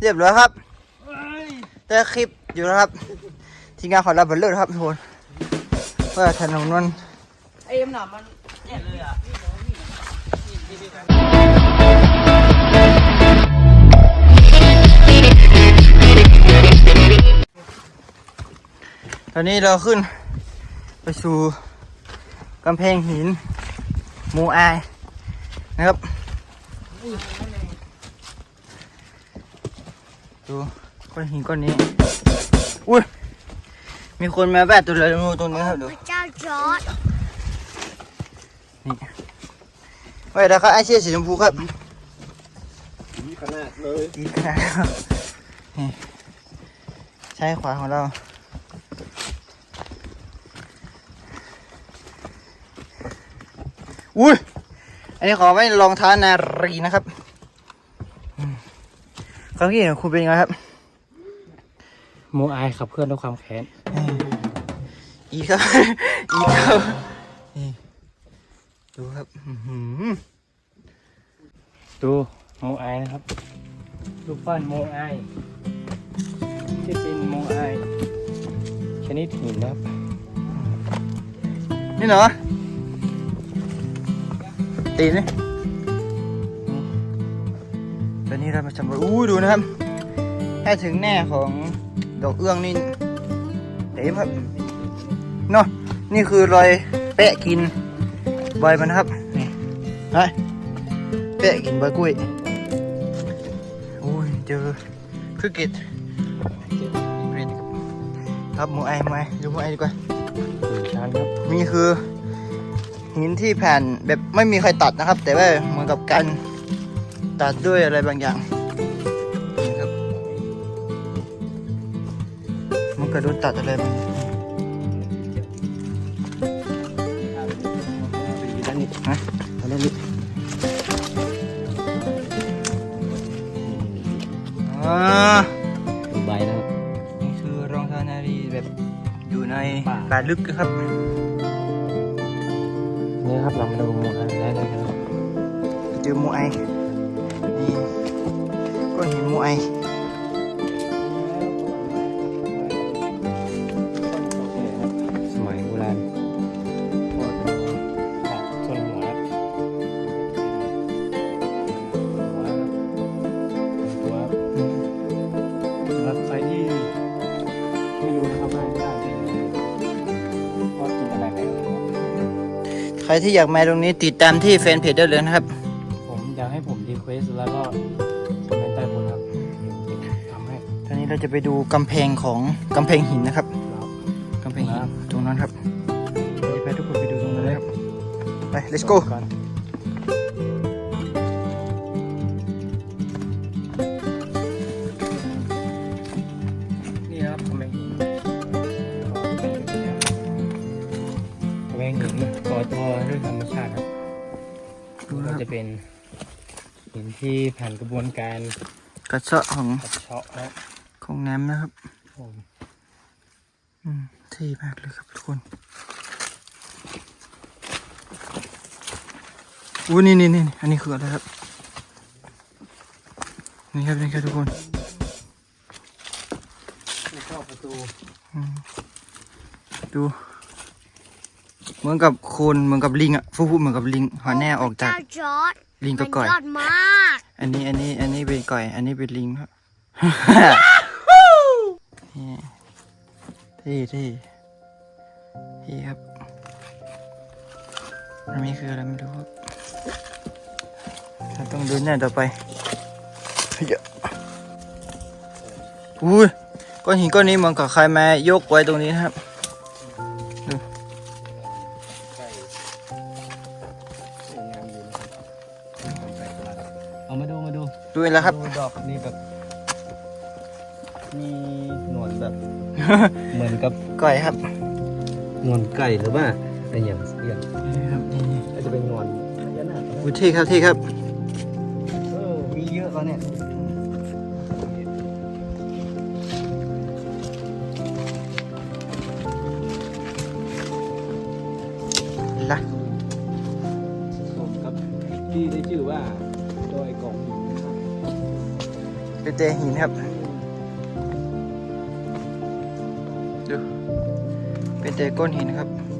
เรียบร้อยครับแต่คลิปอยู่นะครับทีมงานของเราบันเลิศครับทุกคนว่าถนนมันไอ้หนามมันเนี่ยเลยอ่ะตอนนี้เราขึ้นไปสู่กำแพงหินโมอายนะครับดูก้อนหินก้อนนี้อุ้ยมีคนมาแวะตัวเลยตรงนี้ครับดูพระเจ้าจอร์จนี่ไว้แล้วครับไอเชี่ยสีชมพูครับดีขนาดเลยดีขนาดนี่ใช้ขวาของเราอุ้ยอันนี้ขอไว้รองเท้านารีนะครับเขาคิดเห็นคุณเป็นยังไงครับโมอายขับเพื่อนด้วยความแค้นอีกครับอีกครับนี่ดูครับดูโมอายนะครับรูปปั้นโมอายที่เป็นโมอายชนิดหินนะครับนี่เหรอตีนี่ตอนนี้เรามาสำรวจดูนะครับถ้าถึงแน่ของดอกเอื้องนี่เต็มครับเนาะนี่คือรอยแปะกินใบมันนะครับนี่ไปแปะกินใบกล้วยอุ้ยเจอคือเกตครับหมูไอดูหมูไอดีกว่าชั้นครับนี่คือหินที่แผ่นแบบไม่มีใครตัดนะครับแต่ว่าเหมือนกับการตัดด้วยอะไรบางอย่างนะครับมันกระโดดตัดอะไรมันด้านนี้ฮะด้านนี้ใบนะครับนี่คือรองเท้านารีแบบอยู่ในป่าลึกนะครับนี่ครับเรามาดูโมอายได้เลยครับเจอโมไอนี่ก้อนหินโมไอสมัยโบราณส่วนหัวสำหรับใครที่ไม่รู้นะครับว่าได้เพราะกินอะไรแล้วใครที่อยากมาตรงนี้ติดตามที่แฟนเพจได้เลยนะครับผมอยากให้ผมรีเควสแล้วก็คอมเมนต์ใต้โพสต์ครับทำให้ตอนนี้เราจะไปดูกำแพงของกำแพงหินนะครับกำแพงหินตรงนั้นครับไปทุกคนไปดูตรงนั้นนะครับไป let's go นี่ครับกำแพงหินกำแพงหินก่อตัวด้วยธรรมชาติครับก็จะเป็นหินที่ผ่านกระบวนการกระเซาะของนะของน้ำนะครับผมเท่มากเลยครับทุกคนนี่อันนี้คืออะไรครับนี่ครับทุกคนเข้าประตูดูเหมือนกับโคนเหมือนกับลิงอ่ะฟูเหมือนกับลิงหัวแน่ออกจากลิงก็ก่อยอันนี้เป็นก่อยอันนี้เป็นลิงครับที่ครับอันนี้คืออะไรไม่รู้ครับเราต้องเดินหน้าต่อไปอุ้ยก้อนหินก้อนนี้เหมือนกับใครมายกไว้ตรงนี้นะครับดูเอามาดูดูแล้วครับดอกนี่แบบมีหนวดแบบ เหมือนกับก่อยครับหนวดไก่หรือว่าอะไรอย่างเงี้ยอาจจะเป็นหนวดพญานาคอุ้ยที่ครับมีเยอะแล้วเนี่ยละสมกับที่ได้ชื่อว่าดอยกองหินนะครับเป็นแต่หินครับดูเป็นแต่ก้อนหินครับ